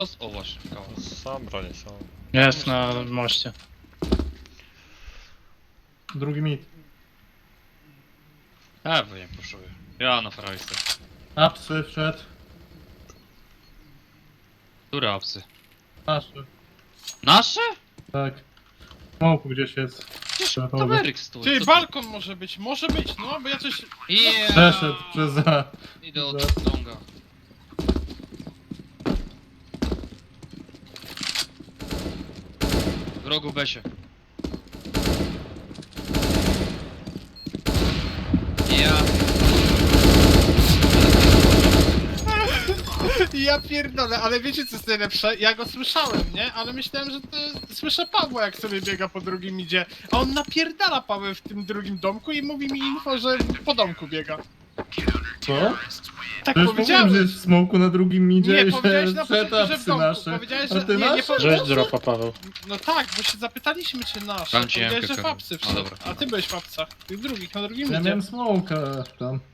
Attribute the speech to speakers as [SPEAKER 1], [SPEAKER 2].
[SPEAKER 1] O właśnie, kawał.
[SPEAKER 2] Sam bronię, sam.
[SPEAKER 3] Jest na moście.
[SPEAKER 4] Drugi mit.
[SPEAKER 1] Bo nie poszuję. Ja na frajce.
[SPEAKER 4] Apsy wszedł.
[SPEAKER 1] Które apsy?
[SPEAKER 4] Naszy.
[SPEAKER 1] Nasze?
[SPEAKER 4] Tak. Smoku gdzieś jest.
[SPEAKER 1] Przecież
[SPEAKER 4] Dobra.
[SPEAKER 1] kameryk stoi.
[SPEAKER 5] Ty,
[SPEAKER 1] co
[SPEAKER 5] balkon może być, no, bo ja coś...
[SPEAKER 1] Yeah.
[SPEAKER 4] Przeszedł przez za.
[SPEAKER 1] Idę od longa. W rogu Besie. Ja.
[SPEAKER 5] Ja pierdolę, ale wiecie co jest najlepsze? Ja go słyszałem, nie? Ale myślałem, że to... Słyszę Pawła, jak sobie biega po drugim idzie. A on napierdala Pawę w tym drugim domku i mówi mi info, że po domku biega.
[SPEAKER 4] Co?
[SPEAKER 5] Tak
[SPEAKER 4] Przecież mówiłem,
[SPEAKER 5] powiedziałem.
[SPEAKER 4] że jest w smoku na drugim midzie
[SPEAKER 5] Nie,
[SPEAKER 4] i
[SPEAKER 5] powiedziałeś
[SPEAKER 4] że
[SPEAKER 5] na
[SPEAKER 4] przed
[SPEAKER 5] początku, że w
[SPEAKER 4] apsy
[SPEAKER 5] domku.
[SPEAKER 4] nasze.
[SPEAKER 5] Powiedziałeś,
[SPEAKER 4] A
[SPEAKER 5] że...
[SPEAKER 4] ty
[SPEAKER 5] Nie, nie
[SPEAKER 4] nasze?
[SPEAKER 5] powiedziałeś,
[SPEAKER 3] Rzuć dropa, Paweł.
[SPEAKER 5] No tak, bo się zapytaliśmy, czy nasz.
[SPEAKER 1] Dam ci
[SPEAKER 5] Powiedziałeś,
[SPEAKER 1] jemkę,
[SPEAKER 5] że w
[SPEAKER 1] Karol.
[SPEAKER 5] apsy
[SPEAKER 1] A,
[SPEAKER 5] wszedł.
[SPEAKER 1] dobra.
[SPEAKER 5] A ty byłeś w apsach. Tych drugich, na drugim
[SPEAKER 4] Ja
[SPEAKER 5] idzie.
[SPEAKER 4] miałem smoka tam.